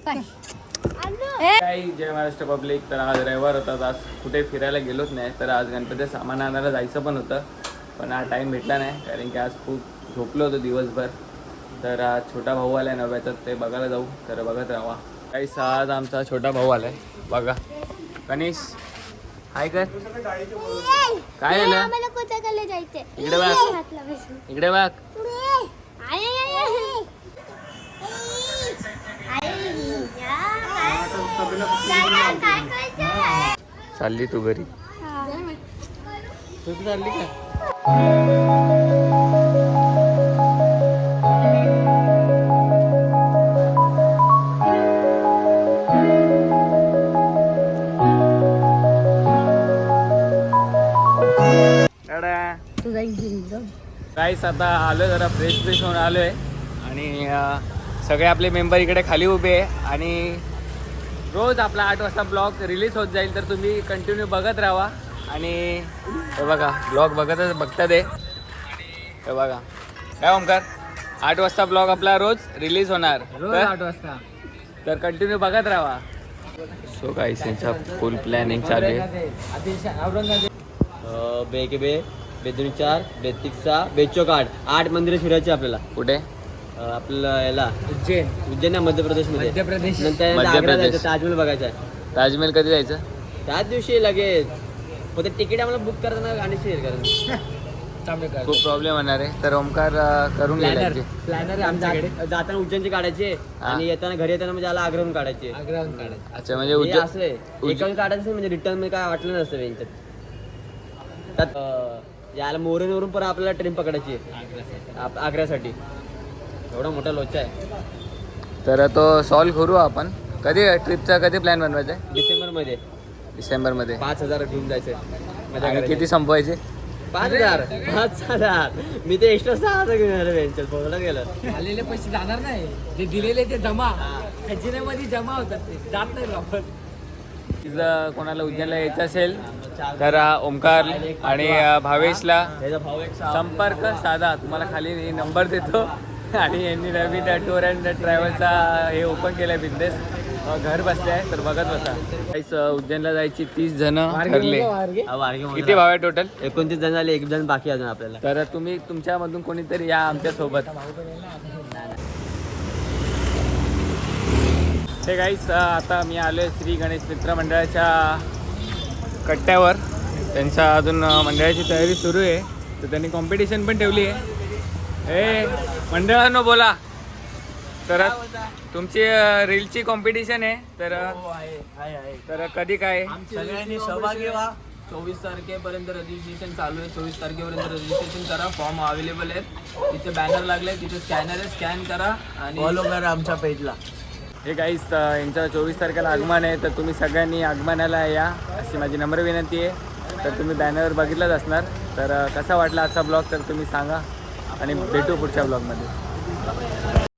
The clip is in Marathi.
काही जय महाराष्ट्र पब्लिक. तर आज रविवार होता, आज कुठे फिरायला गेलोच नाही. तर आज गणपती सामान आणायला जायचं पण होतं, पण आज टाईम भेटला नाही कारण की आज खूप झोपलो होतो दिवसभर. तर आज छोटा भाऊ आलाय नव्याचा, ते बघायला जाऊ. तर बघत राहा. काही आज आमचा छोटा भाऊ आलाय बघा. गणेश हाय कर. काय झालं? इकडे बघ, इकडे बघ. चालली तू घरी? तू चालली का? काहीच आता आलोय, जरा फ्रेश होऊन आलोय आणि सगळे आपले मेंबर इकडे खाली उभे आहे. आणि रोज आपला 8 वाजता ब्लॉग रिलीज होत जाईल, तर तुम्ही कंटिन्यू बघत राहा. आणि हे बघा ब्लॉग बघता दे. हे बघा काय ओमकार, 8 वाजता ब्लॉग आपला रोज रिलीज होणार, रोज 8 वाजता. तर कंटिन्यू बघत राहा. सो गाइस यांचा फुल प्लॅनिंग चालू आहे. बे बेदुनी 4 बेतिक्सा बेचोक 8 मंदिरं फिरायची आपल्याला. कुठे? आपल्याला याला उज्जैन मध्य प्रदेश मध्ये. ताजमहल बघायचा आहे. ताजमहल कधी जायचं? त्याच दिवशी लगेच. पण ते तिकीट आम्हाला बुक करताना गाणी शेअर करायचं. खूप प्रॉब्लेम होणार आहे, तर ओमकार करून घ्यायचे. प्लॅनर आमच्याकडे जाताना उज्जैनचे काढायचे आणि येताना घरी येताना म्हणजे आला आग्र्याहून काढायचे. अच्छा, म्हणजे असं आहे एकाहून काढायचं म्हणजे रिटर्न मध्ये काय वाटलं नसतं यांच्यात. त्यात याला मोरेवरून पण आपल्याला ट्रेन पकडायची आहे आग्र्यासाठी. एवढा मोठा लोचा आहे. तर तो सॉल्व्ह करू आपण. कधी ट्रिपचा कधी प्लॅन बनवायचा आहे? डिसेंबर मध्ये 5,000 घेऊन जायचं. आणि किती संपवायचे? 5,000. मी ते एक्स्ट्रा 6,000 घेऊन आलो. यांच्यात बोलत गेलं. आलेले पैसे जाणार नाही, जे दिलेले ते जमा खजिन्यामध्ये जमा होतात, ते जात नाही वापस. जर कोणाला उज्जैनला यायचं असेल तर ओमकार आणि भावेशला संपर्क साधा. तुम्हाला खाली नंबर देतो. आणि यांनी नवीन टूर अँड ट्रॅव्हलचा हे ओपन केलं बिझनेस, घर बसले आहे. तर बघत बसा. काहीच उज्जैनला जायची 30 जण ठरले. किती भाव आहे टोटल? 29 जण झाले, 1 जण बाकी अजून आपल्याला. तर तुम्ही तुमच्यामधून कोणीतरी या आमच्या सोबत. हे गाईस आता मी आलोय श्री गणेश मित्र मंडळाच्या कट्ट्यावर. त्यांच्या अजून मंडळाची तयारी सुरू आहे, तर त्यांनी कॉम्पिटिशन पण ठेवली आहे. हे मंडळांनो बोला. तर तुमची रीलची कॉम्पिटिशन आहे, तर कधी काय? सगळ्यांनी सहभागी व्हा. 24 तारखेपर्यंत रजिस्ट्रेशन चालू आहे. 24 तारखेपर्यंत रजिस्ट्रेशन करा. फॉर्म अवेलेबल आहेत. तिथे बॅनर लागले, तिथे स्कॅनर आहे, स्कॅन करा आणि फॉलो करा आमच्या पेजला. हे गाईस यांचं 24 तारखेला आगमन आहे, तर तुम्ही सगळ्यांनी आगमनाला या अशी माझी नम्र विनंती आहे. तर तुम्ही बॅनरवर बघितलंच असणार. तर कसा वाटला आजचा ब्लॉग तर तुम्ही सांगा आणि भेटू पुढच्या ब्लॉगमध्ये.